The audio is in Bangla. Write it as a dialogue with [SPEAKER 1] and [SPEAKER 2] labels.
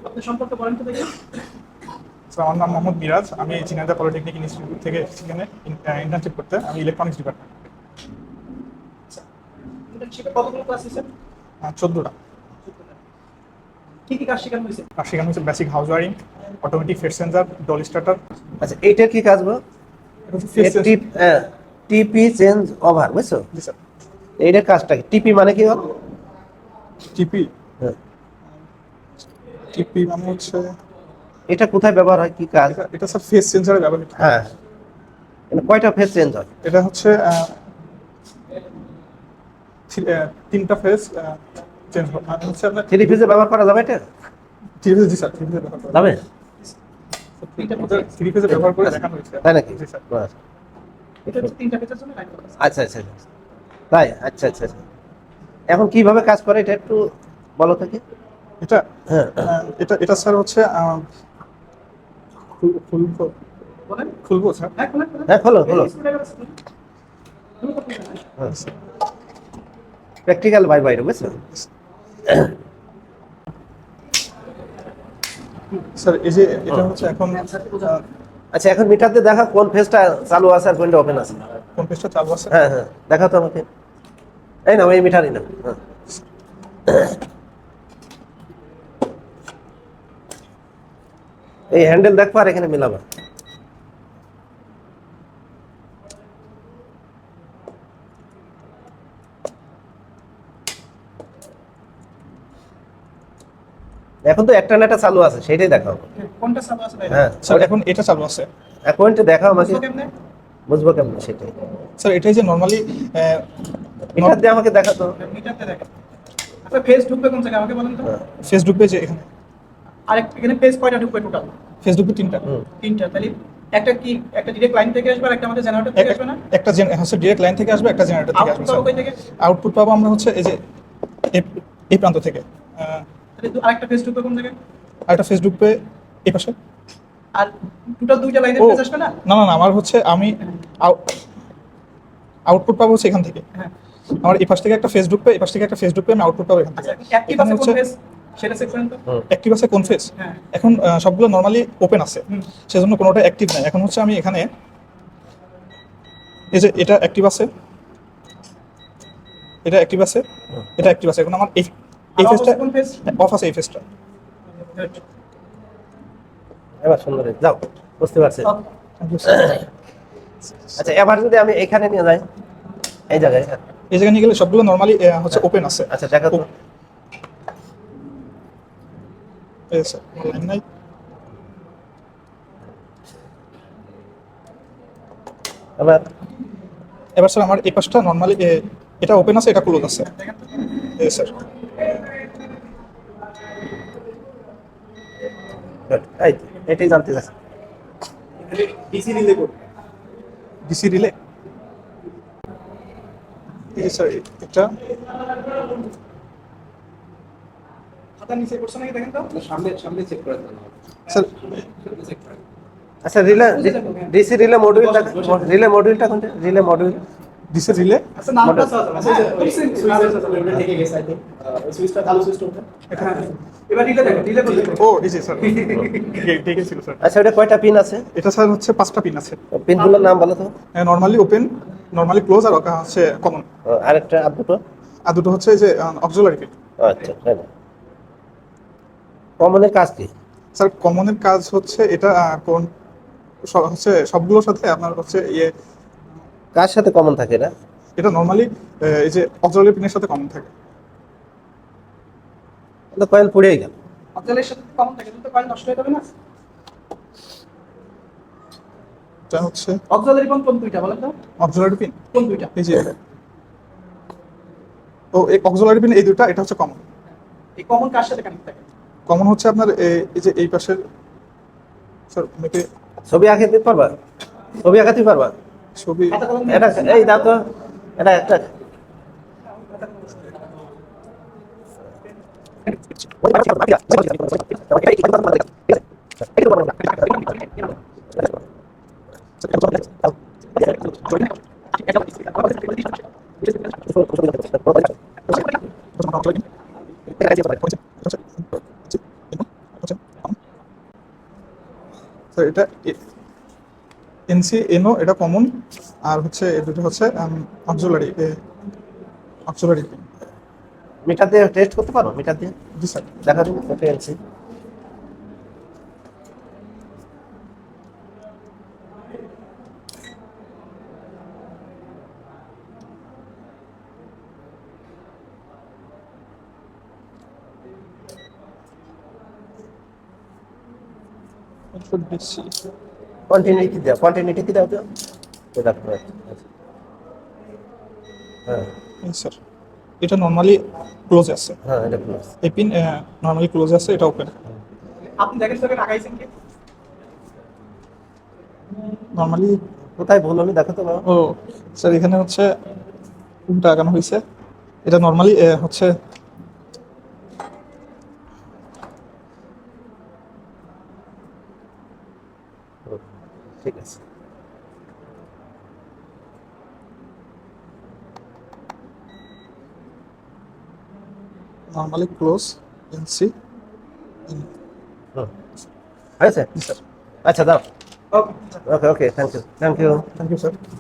[SPEAKER 1] আপনার সম্পর্কে বলেন তো দেখি।
[SPEAKER 2] স্যার আমার নাম মোহাম্মদ মিরাজ, আমি ঝিনাইদহ পলিটেকনিক ইনস্টিটিউট থেকে সেখানে ইন্টার্নশিপ করতে, আমি ইলেকট্রনিক্স ডিপার্টমেন্ট।
[SPEAKER 1] ইন্টার্নশিপে কতগুলো ক্লাস নিছেন?
[SPEAKER 2] 14টা।
[SPEAKER 1] কি কি কাজ শেখানো হয়েছে?
[SPEAKER 2] আর সেখানে হচ্ছে basic house wiring, automatic face sensor, DOL starter.
[SPEAKER 3] আচ্ছা এইটার কি কাজ গো? টিপি চেঞ্জ ওভার, বুঝছো?
[SPEAKER 2] জি স্যার।
[SPEAKER 3] এইটার কাজটা কি? টিপি মানে কি হল?
[SPEAKER 2] টিপি
[SPEAKER 3] হ্যাঁ।
[SPEAKER 2] টিপি মানে হচ্ছে
[SPEAKER 3] এটা কোথায় ব্যবহার হয়, কি কাজ?
[SPEAKER 2] এটা স্যার ফেস সেন্সারে ব্যবহৃত হয়।
[SPEAKER 3] হ্যাঁ, কয়টা ফেজ চেঞ্জ হয়?
[SPEAKER 2] এটা হচ্ছে 3টা ফেস চেঞ্জ মানে হচ্ছে আপনার
[SPEAKER 3] থ্রি ফেজে ব্যবহার করা যাবে এটা?
[SPEAKER 2] 3 ফেজ। জি স্যার, 3 ফেজে ব্যবহার করা
[SPEAKER 3] যাবে?
[SPEAKER 2] 3 ফেজে ব্যবহার করে দেখানো হয়েছে।
[SPEAKER 3] তাই নাকি?
[SPEAKER 2] জি স্যার।
[SPEAKER 3] আচ্ছা
[SPEAKER 1] এটা হচ্ছে 3টা পেজের জন্য লাইন করা আছে।
[SPEAKER 3] আচ্ছা আচ্ছা। তাই, আচ্ছা আচ্ছা আচ্ছা। এখন কিভাবে কাজ করে এটা একটু বলো তো কি?
[SPEAKER 2] এটা
[SPEAKER 3] হ্যাঁ
[SPEAKER 2] এটা এটা স্যার হচ্ছে খুলবো
[SPEAKER 1] বলেন।
[SPEAKER 2] খুলবো স্যার।
[SPEAKER 1] হ্যাঁ খুলেন খুলেন।
[SPEAKER 3] হ্যাঁ, খোলো খোলো।
[SPEAKER 1] হ্যাঁ।
[SPEAKER 3] প্র্যাকটিক্যাল বাই বাইরে, বুঝছো?
[SPEAKER 2] স্যার এই যে এটা হচ্ছে এখন
[SPEAKER 3] আচ্ছা এখন মিটারতে দেখা কোন ফেজটা চালু আছে আর কোনটা ওপেন আছে।
[SPEAKER 2] কোন পেজটা চালু আছে।
[SPEAKER 3] হ্যাঁ হ্যাঁ, দেখা তো আমাকে। এই না, এই মিটারই না। হ্যাঁ। এই হ্যান্ডেল দেখবো আর এখানে মিলাবা। এখন তো একটা না একটা চালু আছে, সেটাই দেখাও।
[SPEAKER 1] কোনটা চালু আছে ভাই?
[SPEAKER 3] হ্যাঁ
[SPEAKER 2] স্যার এখন এটা চালু আছে।
[SPEAKER 3] অ্যাকাউন্টে দেখাও আমাকে,
[SPEAKER 1] বুঝবো কেমনে?
[SPEAKER 3] বুঝবো কেমন সেটাই।
[SPEAKER 2] স্যার এটাই যে নরমালি
[SPEAKER 3] মিটার দিয়ে আমাকে দেখাতো।
[SPEAKER 1] মিটারতে দেখেন। আচ্ছা পেজ ঢুকবে কোন জায়গায় আমাকে বলেন তো?
[SPEAKER 2] ফেসবুক পেজে এখানে
[SPEAKER 1] আর এখানে পেজ কয়টা ঢুকবে টোটাল?
[SPEAKER 2] ফেসবুকে 3টা।
[SPEAKER 1] 3টা। তাহলে একটা কি একটা ডিরেক্ট লাইন থেকে আসবে আর একটা আমাদের জেনারেটর থেকে আসবে না?
[SPEAKER 2] একটা হচ্ছে ডিরেক্ট লাইন থেকে আসবে, একটা জেনারেটর থেকে আসবে
[SPEAKER 1] আউটপুট পাবো
[SPEAKER 2] স্যার।
[SPEAKER 1] কই থেকে?
[SPEAKER 2] আউটপুট পাবো আমরা হচ্ছে এই যে এই প্রান্ত থেকে।
[SPEAKER 1] তাহলে আরেকটা পেজ ঢুকবে কোন জায়গায়?
[SPEAKER 2] আর একটা ফেসবুক পে এই পাশে।
[SPEAKER 1] আর টোটাল 2টা লাইনের
[SPEAKER 2] ও
[SPEAKER 1] পেজ আসবে না?
[SPEAKER 2] না না না, আমার হচ্ছে আমি আউটপুট পাবো হচ্ছে এখান থেকে।
[SPEAKER 1] হ্যাঁ।
[SPEAKER 2] আমার এই পাশ থেকে একটা ফেসবুক পে, এই পাশ থেকে একটা ফেসবুক পে, আমি আউটপুট পাবো এখান থেকে।
[SPEAKER 1] আচ্ছা অ্যাক্টিভ আছে কোন পেজ? সেটা চেক করেন তো।
[SPEAKER 2] অ্যাক্টিভ আছে কোন ফেস?
[SPEAKER 1] হ্যাঁ।
[SPEAKER 2] এখন সবগুলো নরমালি ওপেন আছে, সেজন্য কোনোটা অ্যাক্টিভ নাই। এখন হচ্ছে আমি এখানে এই যে এটা অ্যাক্টিভ আছে, এটা অ্যাক্টিভ আছে, এটা অ্যাক্টিভ আছে। এখন আমার এই
[SPEAKER 1] আর
[SPEAKER 2] ফেসটা
[SPEAKER 1] কোন পেজ?
[SPEAKER 2] অফ আছে, এই ফেসটা।
[SPEAKER 3] এবার সুন্দর যাও, বুঝতে পারছি। আচ্ছা এবার যদি আমি এখানে নিয়ে যাই, এই জায়গায়।
[SPEAKER 2] এই জায়গায় নিয়ে গেলে সবগুলো নরমালি হচ্ছে ওপেন আছে।
[SPEAKER 3] আচ্ছা দেখা তো।
[SPEAKER 2] এই স্যার লাইন নাই।
[SPEAKER 3] এবার
[SPEAKER 2] এবার স্যার আমার এই পাশটা নরমালি এটা ওপেন আছে, এটা ক্লোজ আছে। এই স্যার
[SPEAKER 3] এই তো, এটাই জানতে চাচ্ছি।
[SPEAKER 1] DC relay code.
[SPEAKER 2] DC relay. এই স্যার এটা
[SPEAKER 1] খাতা নিচে করছে নাকি দেখেন তো?
[SPEAKER 4] সামনে সামনে চেক করে দেন।
[SPEAKER 2] স্যার
[SPEAKER 4] সামনে চেক করে।
[SPEAKER 3] আচ্ছা ডিসি রিলে মডিউলটা, রিলে মডিউলটা কোনটা? রিলে মডিউল
[SPEAKER 2] ডিসি রিলে
[SPEAKER 1] আচ্ছা নামটা আছে আচ্ছা
[SPEAKER 4] সুইচ থেকে গেছে আই থিং। সুইচটা চালু সুইচটা ওঠে।
[SPEAKER 1] এবার রিলে দেখো রিলে বলতে
[SPEAKER 2] ও এই যে স্যার ঠিক ছিল স্যার।
[SPEAKER 3] আচ্ছা ওটা কয়টা পিন আছে?
[SPEAKER 2] এটা স্যার হচ্ছে 5টা পিন আছে।
[SPEAKER 3] পিনগুলোর নাম বলো তো।
[SPEAKER 2] নরমালি ওপেন, নরমালি ক্লোজ, আর হচ্ছে কমন।
[SPEAKER 3] আরেকটা আর দুটো?
[SPEAKER 2] আর দুটো হচ্ছে এই যে অক্সিলারি পিন।
[SPEAKER 3] আচ্ছা হ্যাঁ। কমনের কাজ কি?
[SPEAKER 2] স্যার কমনের কাজ হচ্ছে এটা কোন হচ্ছে সবগুলোর সাথে আপনার হচ্ছে
[SPEAKER 3] কার সাথে কমন থাকে এটা?
[SPEAKER 2] এটা নরমালি এই যে অক্সিলারি পিনের সাথে কমন থাকে।
[SPEAKER 3] এটা কয়েল পুড়েই গেল।
[SPEAKER 1] অক্সিলারির সাথে কমন থাকে কিন্তু কয়েল নষ্ট হয়ে যাবে না?
[SPEAKER 2] এটা হচ্ছে
[SPEAKER 1] অক্সিলারি কোন দুইটা বলেন তো?
[SPEAKER 2] অক্সিলারি পিন
[SPEAKER 1] কোন দুইটা?
[SPEAKER 2] এই যে ও এই অক্সিলারি পিন এই দুটো, এটা হচ্ছে কমন।
[SPEAKER 1] এই কমন কার সাথে কানেক্ট থাকে?
[SPEAKER 2] কমন হচ্ছে আপনার এই যে এই পাশের স্যার মেপে
[SPEAKER 3] ছবি আঁকে দিতে পারবা? ছবি আঁকাতে পারবা?
[SPEAKER 2] ছবি
[SPEAKER 1] খাতা কলম
[SPEAKER 3] এটা এই দাও তো, এটা একটা
[SPEAKER 2] তো এটা এনসি এনও এটা কমন, আর হচ্ছে এই দুটো হচ্ছে অক্সিলারি অক্সিলারি পিন।
[SPEAKER 3] মিটার দিয়ে টেস্ট করতে পারো, মিটার দিয়ে
[SPEAKER 2] জি স্যার।
[SPEAKER 3] দেখা দিন এটা এলসি। কন্টিনিউটি দাও, কন্টিনিউটি কি দাও তো এটা করে। হ্যাঁ
[SPEAKER 2] স্যার এটা নর্মালি ক্লোজ আছে,
[SPEAKER 3] হ্যাঁ এটা ক্লোজ।
[SPEAKER 2] এই পিন নর্মালি ক্লোজ আছে, এটা ওপেন।
[SPEAKER 1] আপনি দেখেন স্যার লাগাইছেন কি?
[SPEAKER 2] নর্মালি
[SPEAKER 3] কোথায় ভুল হলো দেখো তো বাবা।
[SPEAKER 2] ও স্যার এখানে হচ্ছে উল্টা আগানো হয়েছে, এটা নর্মালি হচ্ছে
[SPEAKER 3] ঠিক আছে।
[SPEAKER 2] Normally close NC.
[SPEAKER 3] হয়েছে?
[SPEAKER 2] জি স্যার।
[SPEAKER 3] আচ্ছা দাও।
[SPEAKER 1] Okay
[SPEAKER 3] okay okay, thank you, thank you.
[SPEAKER 2] Thank you sir.